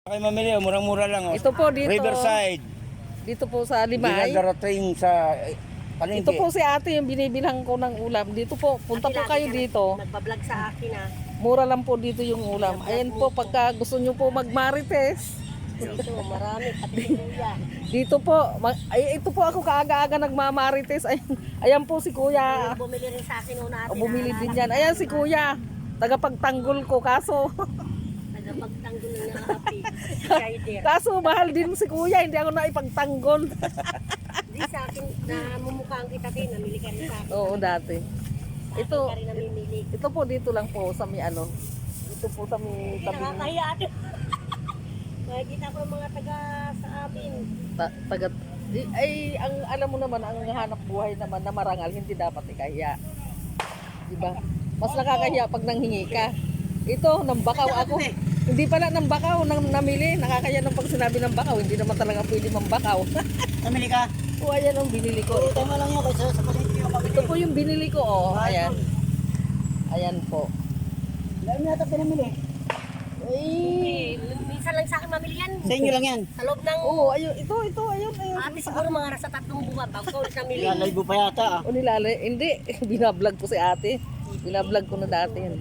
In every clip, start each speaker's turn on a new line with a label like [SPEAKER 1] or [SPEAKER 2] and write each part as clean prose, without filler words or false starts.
[SPEAKER 1] Kayo mamili, murang-mura lang.
[SPEAKER 2] Ito po dito.
[SPEAKER 1] Riverside.
[SPEAKER 2] Dito po sa Limay.
[SPEAKER 1] Dinadarating sa palengke.
[SPEAKER 2] Ito po si ate yung binibilhan ko ng ulam. Dito po, punta po kayo dito.
[SPEAKER 3] Nagbablog sa akin ah.
[SPEAKER 2] Mura lang po dito yung ulam. Ayan po, pagka gusto nyo po magmarites.
[SPEAKER 3] Dito, marami pati kuya.
[SPEAKER 2] Dito po, ito po ako kaaga-aga nagmamarites. Ayan po si kuya.
[SPEAKER 3] Bumili rin sa akin una ate.
[SPEAKER 2] Bumili din yan. Ayan si kuya. Tagapagtanggol ko, kaso
[SPEAKER 3] Nagpagtanggol na happy. Rider.
[SPEAKER 2] kaso mahal din si kuya, hindi ako naipagtanggol.
[SPEAKER 3] Di sa akin, namumukhaan kita din. Namili ka rin sa akin.
[SPEAKER 2] Oo, dati. Ito,
[SPEAKER 3] Ka rin namimili.
[SPEAKER 2] ito po dito lang po sa may ano. Ito po sa may
[SPEAKER 3] Hindi
[SPEAKER 2] tabi.
[SPEAKER 3] nakakahiya ate. Nakikita ko yung mga taga sa amin.
[SPEAKER 2] Tagat ay ang alam mo naman ang hanap buhay naman na marangal hindi dapat ikahiya. 'Di ba? Mas nakakahiya pag nanghingi ka. Ito nang bakaw ako. Hindi pala nang bakaw nang namili, nakakahiya nang pag sinabi ng bakaw, hindi naman talaga pwede mambakaw.
[SPEAKER 1] Namili ka?
[SPEAKER 2] O ayan ang binili ko.
[SPEAKER 1] Tama lang yun kasi sa palengke yung
[SPEAKER 2] Ito po yung binili ko, oh. Ayan. Ayan po.
[SPEAKER 1] Dami yata pinamili.
[SPEAKER 2] Ay.
[SPEAKER 3] Minsan lang sa akin mamili yan.
[SPEAKER 1] Sa inyo lang yan.
[SPEAKER 3] Sa loob ng
[SPEAKER 2] Oo, ayun, ito, ayun.
[SPEAKER 3] ate siguro mga nasa 3 buwan bago ko ulit namili.
[SPEAKER 1] Lalay mo pa yata ah.
[SPEAKER 2] O nilali, hindi. Binablog ko si ate. Binablog ko na dati yan.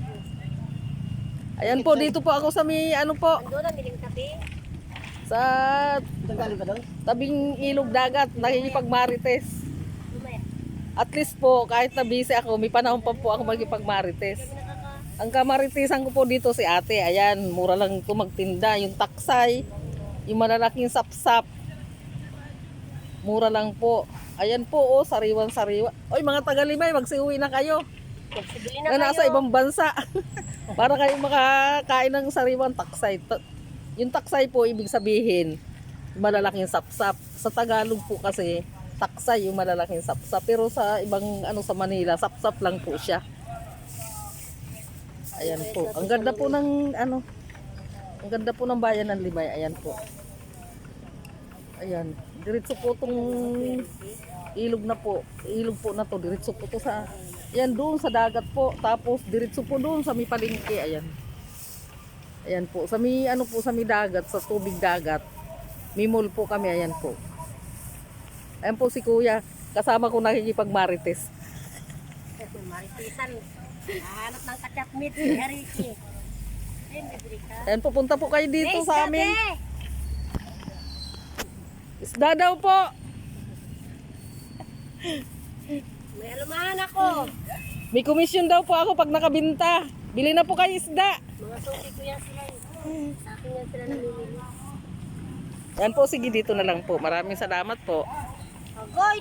[SPEAKER 2] Ayan po, dito po ako sa may, ano po,
[SPEAKER 3] Ando na, miling tabi.
[SPEAKER 2] sa
[SPEAKER 1] Tagali ka doon?
[SPEAKER 2] tabing ilog dagat, nakikipagmarites.
[SPEAKER 3] Lumaya.
[SPEAKER 2] At least po, kahit na busy ako, may panahon pa po ako magkipagmarites. Ang kamaritisan ko po dito si ate, ayan, mura lang ito magtinda. Yung taksay, yung malalaking sapsap, mura lang po. Ayan po, oh, sariwan-sariwa. Oy, mga taga-Limay, magsiuwi na kayo.
[SPEAKER 3] Magsibili
[SPEAKER 2] Na
[SPEAKER 3] na
[SPEAKER 2] nasa
[SPEAKER 3] kayo.
[SPEAKER 2] ibang bansa. Para kayo makakain ng sariwang taksay. Yung taksay po, ibig sabihin, malalaking sapsap. Sa Tagalog po kasi, taksay yung malalaking sapsap. Pero sa ibang, sa Manila, sapsap lang po siya. Ayan po. Ang ganda po ng, ang ganda po ng bayan ng Limay. Ayan po. Ayan. Diretso po itong ilog na po. Ilog po na to. Diretso po to sa, ayan doon sa dagat po. Tapos diretso po doon sa may palengke. Ayan. Ayan po. Sa may, sa may dagat, sa tubig dagat. May mall po kami. Ayan po. Ayan po si kuya. Kasama ko nakikipagmarites.
[SPEAKER 3] Maritisan. Hahanap ng kachat meat si Hariki. Ayun, bibili ka.
[SPEAKER 2] Ayan, pupunta po kayo dito
[SPEAKER 3] Hey,
[SPEAKER 2] sa amin.
[SPEAKER 3] Dade!
[SPEAKER 2] Isda daw po.
[SPEAKER 3] May alumahan ako.
[SPEAKER 2] May komisyon daw po ako pag nakabinta. Bili na po kayo isda.
[SPEAKER 3] Mga suki ko yan sila. Sa akin yan sila namimili.
[SPEAKER 2] Yan po, sige dito na lang po. Maraming salamat po.
[SPEAKER 3] Agoy!